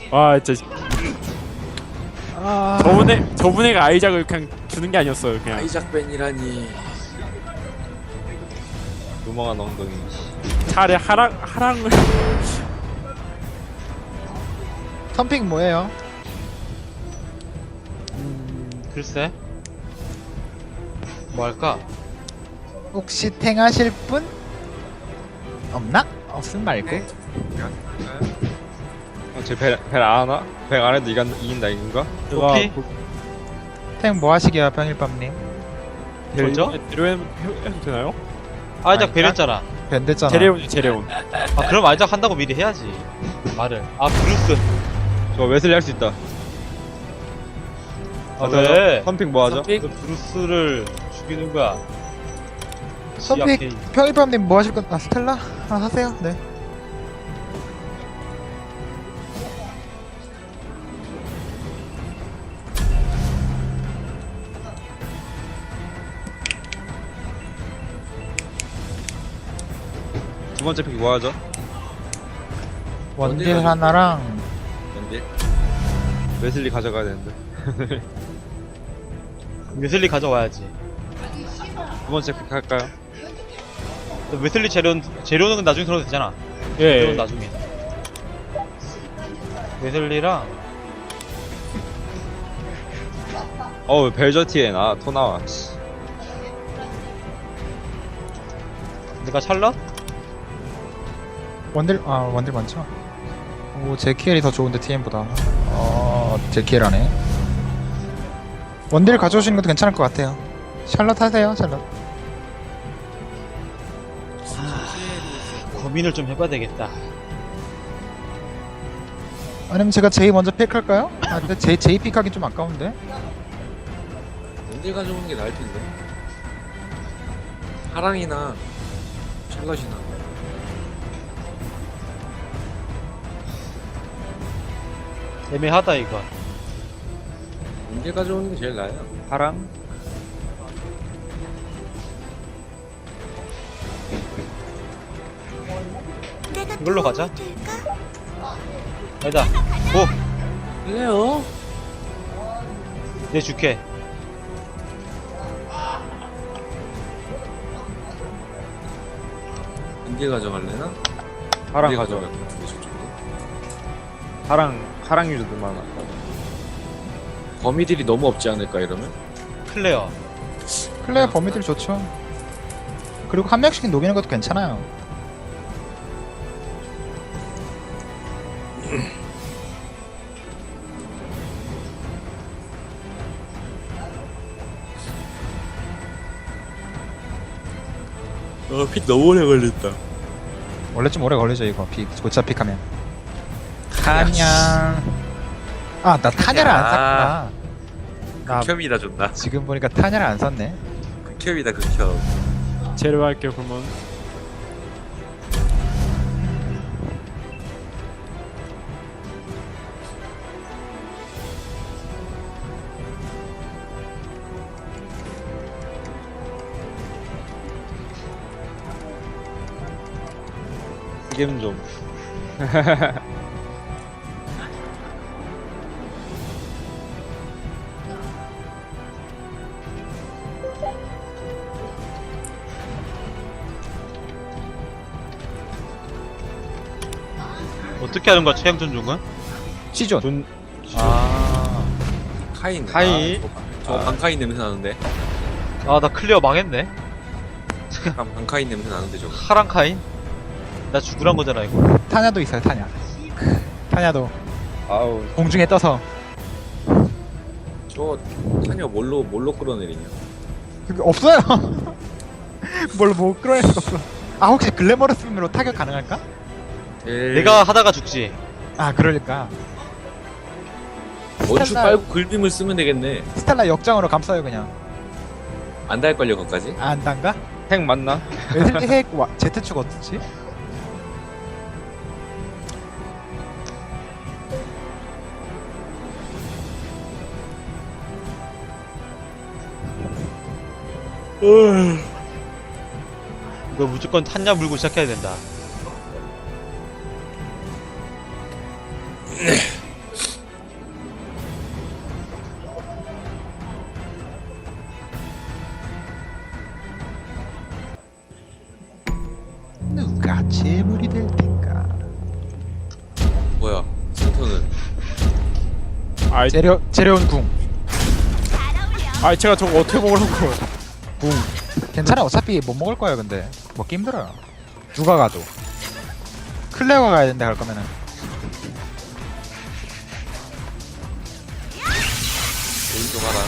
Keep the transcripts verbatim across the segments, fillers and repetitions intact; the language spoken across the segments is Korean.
와 진짜 아... 저분에 저분애가 아이작을 그냥 주는 게 아니었어요. 그냥 아이작 벤이라니. 유망한 엉덩이. 차라리 하랑 하랑을 텀핑 뭐예요? 음, 글쎄. 뭐 할까? 혹시 탱 하실 분? 없나? 없음 말고. 어, 쟤벨벨안 하나? 벨 안 해도 이간 이긴다 이긴가? 누가 오케이. 탱 뭐 하시게요, 병일밤님? 뭐죠? 데려해도 되나요? 아이작 아니, 배렸잖아. 밴드잖아. 제레온 제레온. 아 그럼 아이작 한다고 미리 해야지. 말을. 아 브루스. 저 웨슬리 할 수 있다. 아 왜? 펌핑 뭐 하죠? 펌핑? 그 브루스를 죽이는 거야. 텀픽 지하케이. 병일밤님 뭐 하실 건? 아 스텔라? 아 하세요. 네. 두 번째 픽 뭐 하죠? 원딜 원딜 하나랑 근데 웨슬리 가져가야 되는데. 웨슬리 가져와야지. 두 번째 픽 할까요? 웨슬리 재료는 재료는 나중에 들어도 되잖아. 예. 재료는 나중에. 웨슬리랑 어우 벨저티엔 아토 나와. 씨. 내가 찰럿? 원딜 아 원딜 많죠? 오 제키엘이 더 좋은데 티엠보다. 어 제키엘하네. 원딜 가져오시는 것도 괜찮을 것 같아요. 샬럿 하세요, 샬럿. 고민을 좀 해봐야 되겠다. 아니면 제가 제이 먼저 픽할까요? 아 근데 제이 제이 픽하기 좀 아까운데. 언제 가져오는 게 나을 텐데. 하랑이나 샬럿이나. 애매하다 이거. 언제 가져오는 게 제일 나아요. 파랑? 이걸로 가자. 아니다. 고! 그래요? 내 줄게. 언제 가져갈래나? 파랑 언제 가져가. 가져갈 것 같은데 저쪽도. 파랑 파랑 유저도 많아. 범위들이 너무 없지 않을까 이러면? 클레어. 클레어 범위들 좋죠. 그리고 한 명씩 녹이는 것도 괜찮아요. 어, 픽 너무 오래 걸렸다. 원래 좀 오래 걸리죠 이거 픽 고차 픽하면. 타냐. 아 나 타냐를 안 샀구나. 나 극혐이다 존나. 지금 보니까 타냐를 안 샀네. 극혐이다 극혐. 제레오 할게요 그러면. 이겜 좀. 어떻게 하는 거야 최영 존중은? 시존. 존 아. 카인. 카인. 아, 저 방카인 냄새 나는데. 아 나 클리어 망했네. 약간 방카인 냄새 나는데 저거. 하랑카인? 나 죽으란 거잖아 이거. 타냐도 있어요 타냐. 타냐도 아우 공중에 떠서. 저 타녀 뭘로 뭘로 끌어내리냐? 그게 없어요. 뭘 못 끌어낼 수가 없어. 아 혹시 글래머러스으로 타격 가능할까? 제일 내가 하다가 죽지. 아 그러니까 원추 빨고 글빔을 쓰면 되겠네. 스텔라 역장으로 감싸요 그냥. 안 닿을걸요 거기까지? 아, 안 단가? 핵 맞나? 웨슬리 핵 와, 제트축 어떻지? 이거 무조건 탄냐 물고 시작해야 된다. 뭐야? 센터는 아이, 재려 재려온 궁. 아이 제가 저거 어떻게 먹으라고? 궁. 괜찮아. 어차피 못 먹을 거예요. 근데 먹기 힘들어요. 누가 가도. 클레어가 가야 된다 갈 거면은. 오른쪽 하나.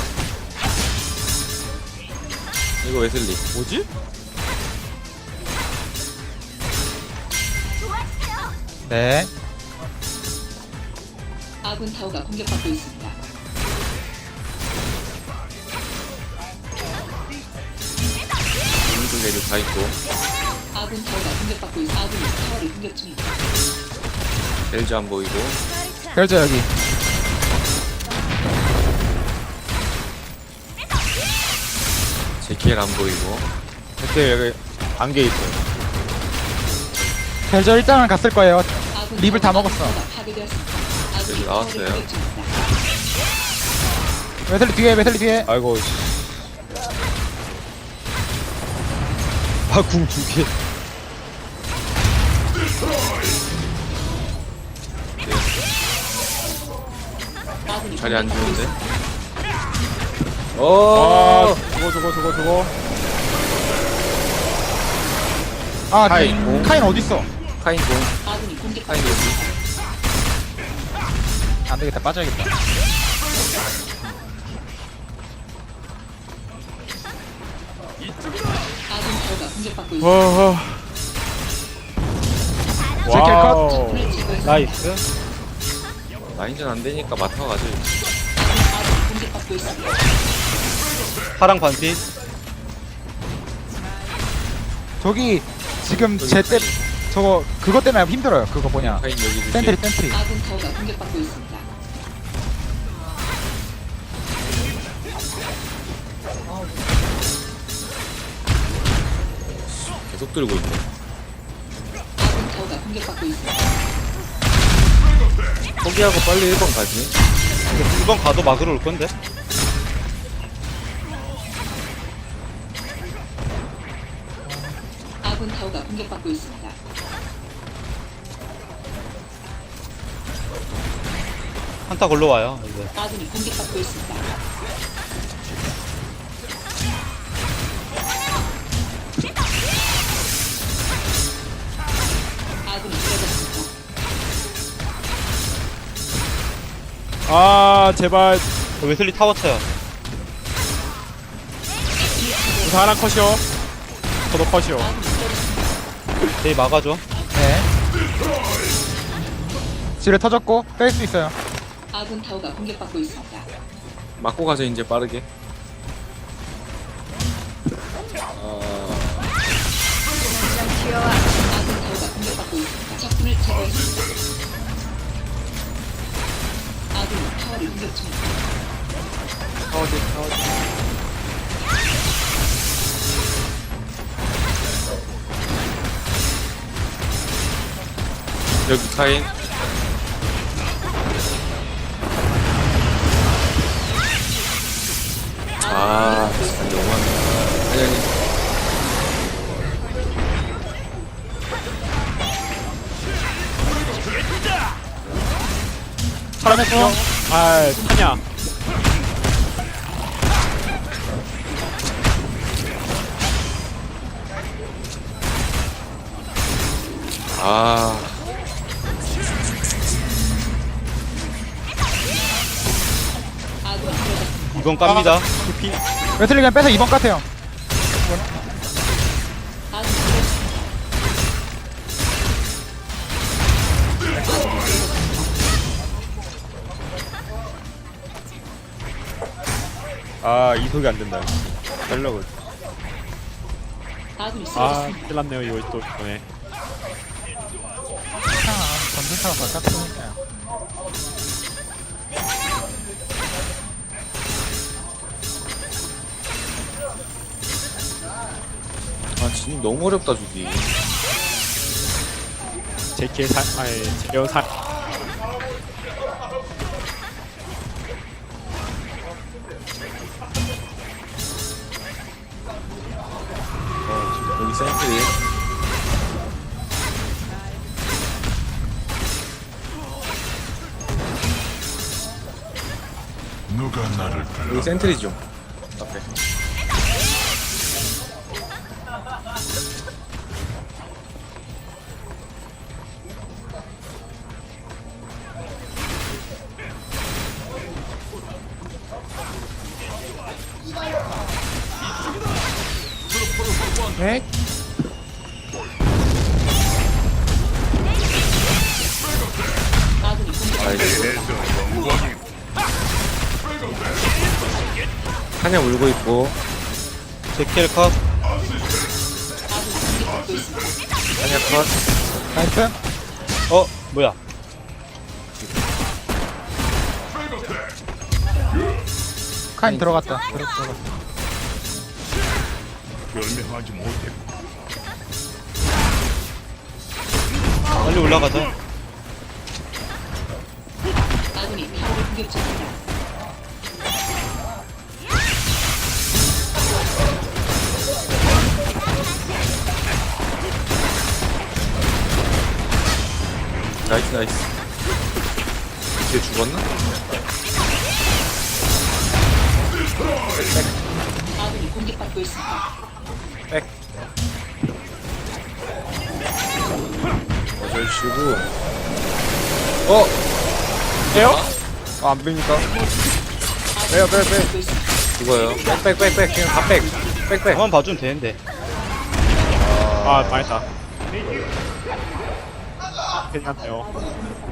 이거 웨슬리. 뭐지? 네. 아군 타워가 공격받고 있습니다. 오른쪽 내륙 다 있고. 아군 타워가 공격받고 있. 아군이 타워를 공격 중입니다. 벨즈 안 보이고. 벨저 여기. 제키엘 안 보이고. 그때 여기 안개 있어요. 벨저 일단은 갔을 거예요. 아군 립을 다 타워가 먹었어. 파괴되었습니다. 아군이 여기 타워를 나왔어요. 공격 중입니다. 웨슬리 뒤에 웨슬리 뒤에. 아이고. 씨. 아, 궁 두 개. 아군이 자리 안 공격받고 좋은데? 있습니다. 아 오! 저거 저거 저거 저거. 아 카인. 카인. 카인 어디 있어? 카인 공. 아군이 공격받고 카인 여기. 안 되겠다. 빠져야겠다. 아군 타워가 공격받고 있습니다. 와. 제킬 컷. 와우. 적군을 제거했습니다. 나이스. 라인전 안 되니까 마타 가죠. 아군이 공격받고 있습니다. 파랑 반피. 저기 지금 저기 제 때 카인. 저거 그것 때문에 힘들어요. 그거 뭐냐? 카인 여기 주지. 센트리 센트리. 아군 타워가 공격받고 있습니다. 계속 들고 있네. 아군 타워가 공격받고 있습니다. 포기하고 빨리 일 번 가지. 일 번 가도 막으러 올 건데. 아군 타워가 공격받고 있습니다. 한타 걸러 와요. 이제. 아군이 공격받고 있습니다. 아군이 쓰러졌습니다. 아 제발. 웨슬리 타워 쳐요. 저 하나 컷이요. 저도 컷이요. 아군이 쓰러졌습니다. 제이 막아줘. 네. 지뢰 터졌고 뺄 수 있어요. 아군 타워가 공격받고 있습니다. 맞고 가죠 이제 빠르게. 어... 아군 타워가 공격받고 있습니다. 적군을 제거했습니다. 아군이 타워를 공격 중입니다. 타워지 타워지. 여기 카인. 아, 진짜 너무하네. 아니, 아니. 사람했어. 아 타냐. 아, 아군이 쓰러졌습니다. 이건 깝니다. 피. 웨슬리 그냥 빼서 이번 같아요. 아군이 쓰러졌습니다. 아, 이속이 안 된다. 달라고. 아군이 아 쓰러졌습니다. 큰일났네요 이거 또 이번에. 괜찮아. 전진사가 바깥이니까요. 아, 진짜 너무 어렵다, 주기. 제키의 사 아니 제어 사. 여기 센트리. 여기 센트리 좀 앞에. 네? 아군이 공격받고 있습니다. 사냥 울고 있고. 제킬 컷. 아군이 공격받고 있습니다. 사냥 컷. 나이스. 어, 뭐야. 카인 들어갔다. 들어, 들어갔다. 빨리 올라가자. 아군이 타워를 공격 중입니다. 나이스 나이스. 이제 죽었나? 아군이 공격받고 있습니다. 백. 어쩔 쉬고. 어? 돼요? 아, 안 뺍니까? 빼요 빼요 빼요. 죽어요. 백, 백, 백, 백. 그냥 다 백. 백, 백. 가만 봐주면 되는데. 아 망했다. 괜찮네요.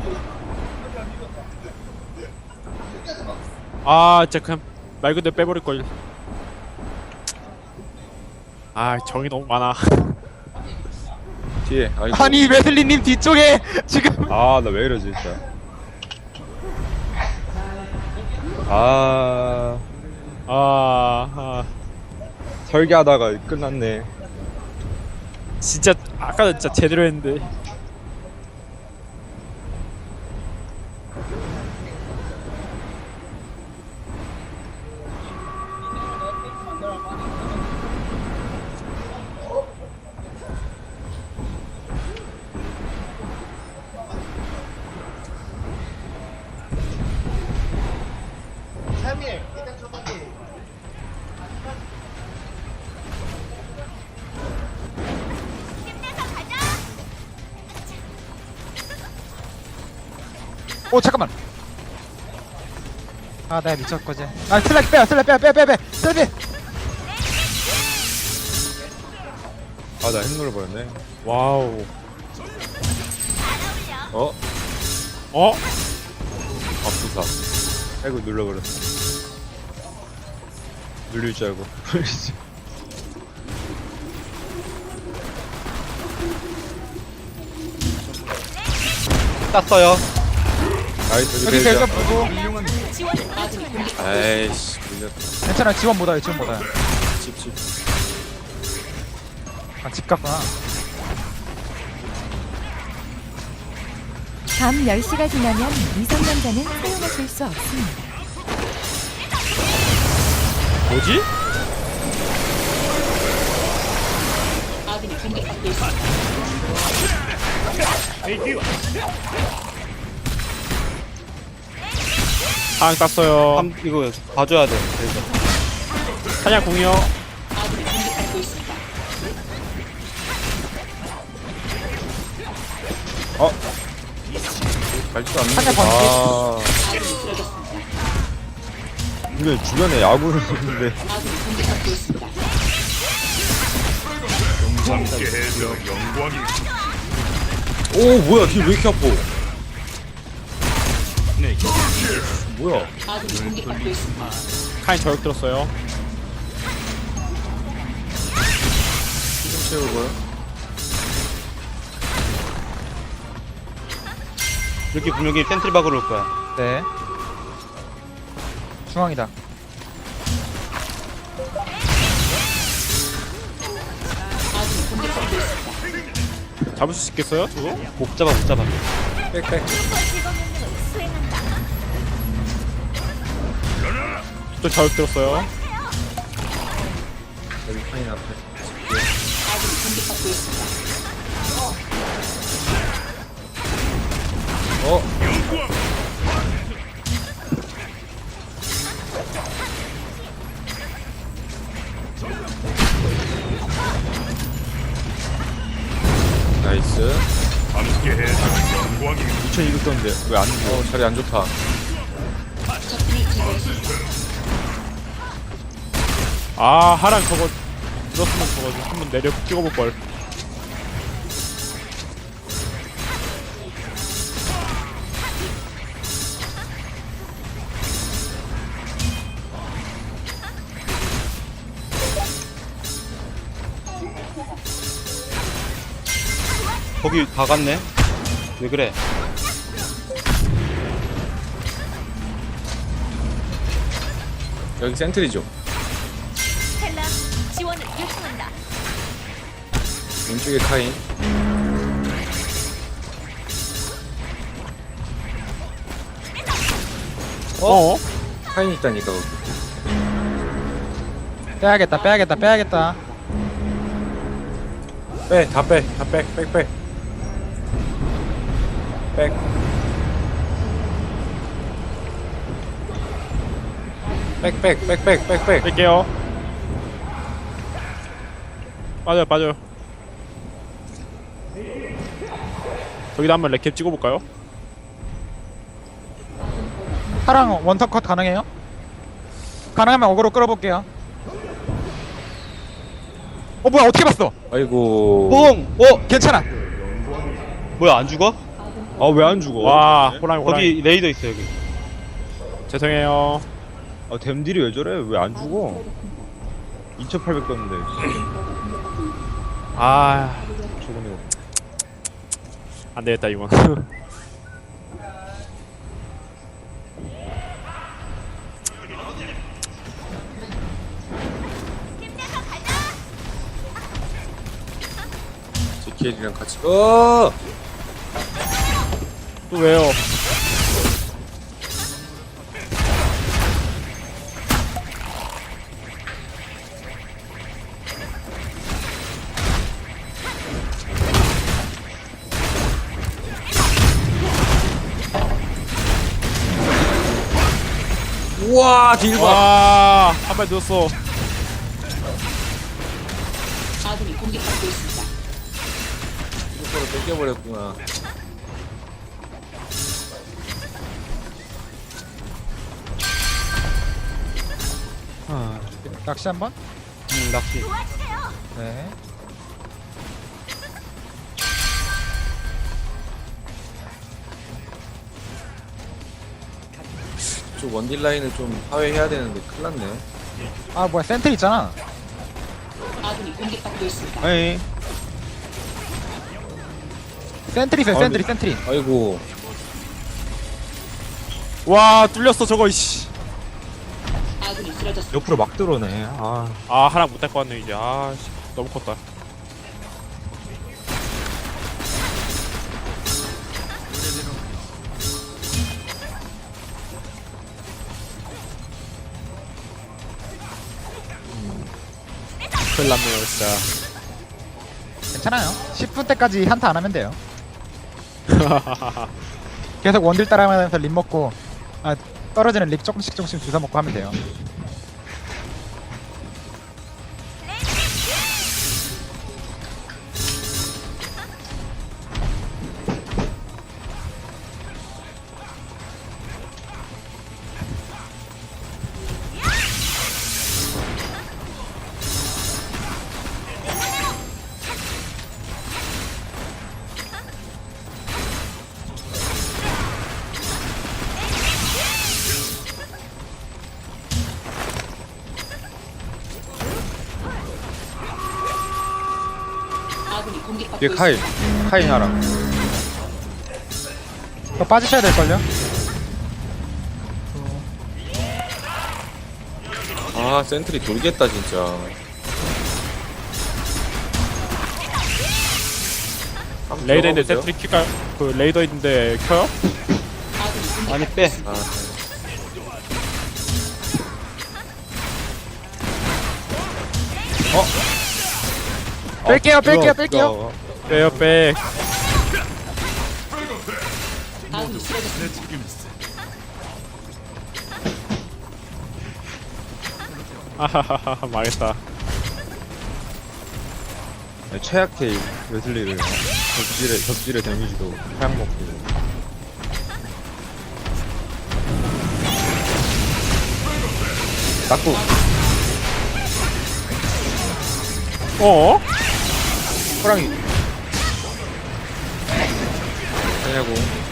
아 진짜 그냥 말 그대로 빼버릴걸. 아 정이 너무 많아. 뒤에. 아이고. 아니 웨슬리님 뒤쪽에 지금. 아 나 왜 이러지 진짜. 아 아, 아 설계하다가 끝났네. 진짜 아까 진짜 제대로 했는데. 오 잠깐만. 아 내가 미쳤거지. 아 슬랙 빼요. 슬랙 빼요. 빼 빼 빼. 슬랙 빼. 아 나 핵 눌러버렸네. 와우. 어? 어? 밥수사. 아이고 눌러버렸어. 눌릴 줄 알고. 땄어요. 나이스. 여기 리베이저. 벨저 보고. 아군이 공격 아이씨, 밀렸다. 괜찮아. 지원 못와요. 지원 못와요. 집, 집. 아집 갔구나. 밤 열 시가 지나면 미성년자는 사용하실 수 없습니다. 뭐지? 아군이 공격받고 있습니다. 상 땄어요. 함, 이거 봐줘야 돼. 그래서. 사냥 공이요. 아군이 공격받고 있습니다. 갈지도 않는 한대 거. 번개. 아, 아군이 쓰러졌습니다. 근데 주변에 야구를 쓰는데. 아군이 공격받고 있습니다. 오, 뭐야, 뒤에 왜 이렇게 아파? 뭐야? 아군이 공격받고 있습니다. 카인 저격 들었어요. 좀 채우고요. 이렇게 분명히 센트리 박으러 올 거야. 네. 중앙이다. 아군이 공격받고 있습니다. 잡을 수 있겠어요? 저거? 못 잡아, 못 잡아. 백, 백. 또 저격 들었어요. 여기 파인 앞에. 아군이 공격받고 있습니다. 어? 나이스. 이천이백 떴는데 왜 안 죽어? 어 자리 안 좋다. 적군을 제거했습니다. 아 하랑 저거 들었으면 저거 좀 한번 내려 찍어볼걸. 거기 다 갔네. 왜 그래? 여기 센트리죠. 텔라 지원을 요청한다. 왼쪽에 카인. 어? 카인 있다니까 거기. 빼야겠다 빼야겠다 빼야겠다. 빼, 다 빼, 다 빼, 백, 백. 백. 백, 백, 백, 백, 백, 백. 뺄게요. 빠져요 빠져요. 저기다 한번 렉캡 찍어볼까요? 파랑 원터 컷 가능해요? 가능하면 어그로 끌어볼게요. 어 뭐야 어떻게 봤어? 아이고. 뽕! 어? 괜찮아. 뭐야 안 죽어? 아 왜 안 죽어? 와 호랑이 호랑이. 거기 레이더 있어 여기. 죄송해요. 아 댐딜이 왜 저래? 왜 안 죽어? 이천팔백 떴는데. 아 저거네. 안되겠다 이건. 제키엘이랑 같이. 어! 또 왜요? 우와, 딜 봐. 와, 한 발 늦었어. 아군이 공격받고 있습니다. 이거로 뺏겨버렸구나. 낚시 한번. 응 낚시. 네. 저 원딜 라인을 좀 파괴해야 되는데 큰일 났네. 아 뭐야 센트 있잖아. 아군이 공격받고 있습니다. 아니 센트리 있어요 센트리 센트리. 아이고. 와, 뚫렸어 저거. 이씨. 아군이 쓰러졌습니다. 옆으로 막 들어오네. 아 아, 하나 못할 것 같네 이제. 아, 씨, 너무 컸다. 큰일 났네요 진짜. 괜찮아요. 십 분 때까지 한타 안 하면 돼요. 계속 원딜 따라가면서 립 먹고 아 떨어지는 립 조금씩 조금씩 주워 먹고 하면 돼요. 아군이 공격받고 뒤에 카인 있습니다. 카인 하랑. 이거 빠지셔야 될걸요? 아, 센트리 돌겠다, 진짜. 한번 레이더 있는데 들어가보죠. 센트리 킬까요? 그 레이더 있는데 켜요? 아군이 공격받고 아니 빼. 있습니다. 아, 뺄게요 뺄게요 어, 뺄게요. 빼요 빼. 아군이 쓰러졌습니다. 아하하하 망했다. 최악 테일 웨슬리를. 덕질의 덕질의 데미지도 하향 먹고. 닦고. 어? 호랑이. 하냐고.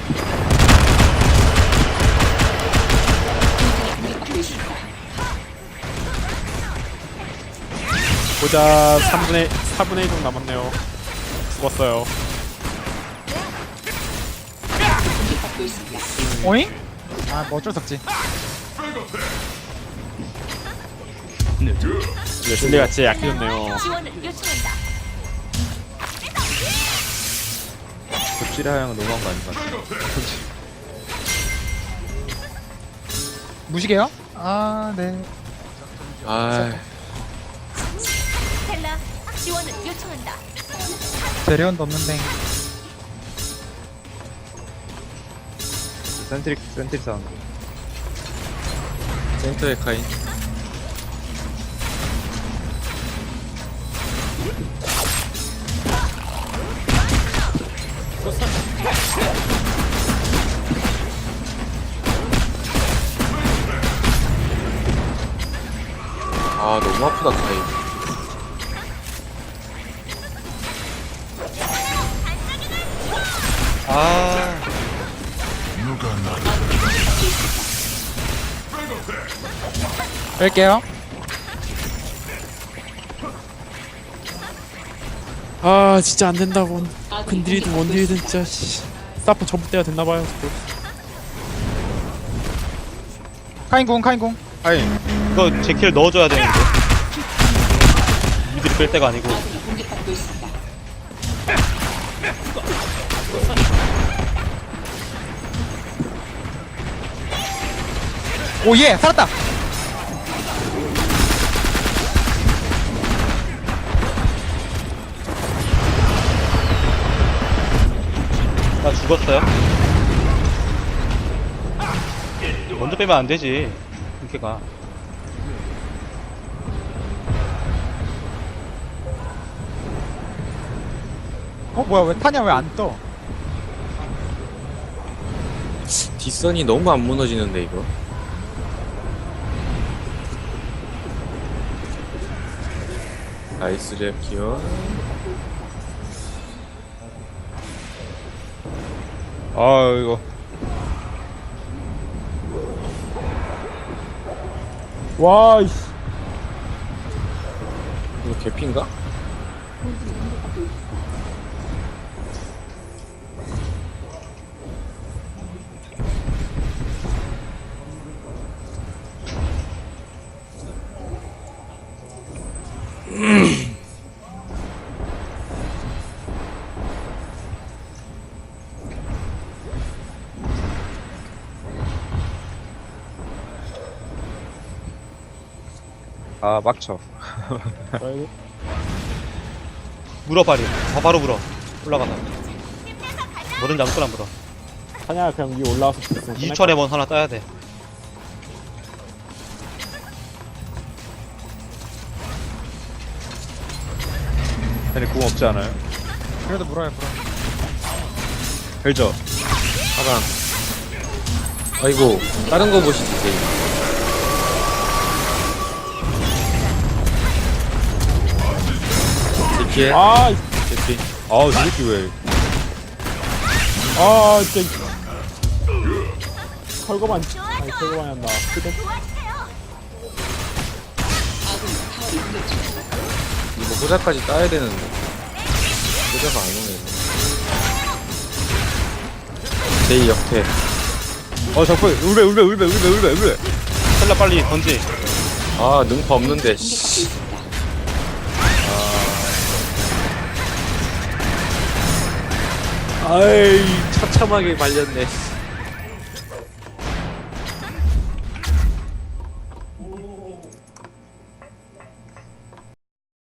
공격받고 있습니다. 보자. 삼분의 사분의 일 정도 남았네요. 죽었어요. 공격받고 있습니다. 오잉? 아 뭐 어쩔 수 없지. 네, 실내가 진짜 약해졌네요. 지원을 요청한다. 덕질의 하향은 너무한 거 아닌 것 같아. 무시게요? 아 네. 아, 텔라 지원을 요청한다. 재련도 없는데. 센트릭 센트릭 사운드. 센터의 카인. 아, 너무 아프다, 카인. 아, 뺄게요. 아 진짜 안 된다고. 아군이 근딜이든 공격받고 원딜이든 있습니다. 진짜 씨. 사프 전부 때가 됐나봐요. 카인궁 카인궁. 하이. 이거 제킬 넣어줘야 되는데. 미드를 뺄 때가 아니고. 아군이 공격받고 있습니다. 오예 살았다. 나 죽었어요. 먼저 빼면 안 되지. 이렇게가. 어 뭐야 왜 타냐 왜 안 떠? 뒷선이 너무 안 무너지는데, 이거. 나이스 랩 기어. 아 이거. 와 이씨. 이거 개피인가? 아 막쳐. 아이고. 물어, 빨리. 바, 바로 물어. 올라가다. 뭐든지 아무거나 물어. 사냥 그냥 위에 올라와서 있으면 이십 초에 먼 하나 따야 돼. 얘네 궁 없지 않아요? 그래도 물어요 물어. 벨저. 하강. 아이고, 다른 거 보시지, 게임. 제키에? 아, 이- 제키. 아우 저 새끼 왜? 아 진짜. 털거만 아니 털거만 한다. 그대 아군이 타워를 공격 중입니다. 이거 호자까지 따야 되는데. 호자가 안 오네. 제이 역태. 어 적배 울베 울베 울베 울베 울베 울베. 셀라 빨리 던지. 아, 능파 없는데, 공격받고 씨. 있습니다. 아이, 처참하게 말렸네.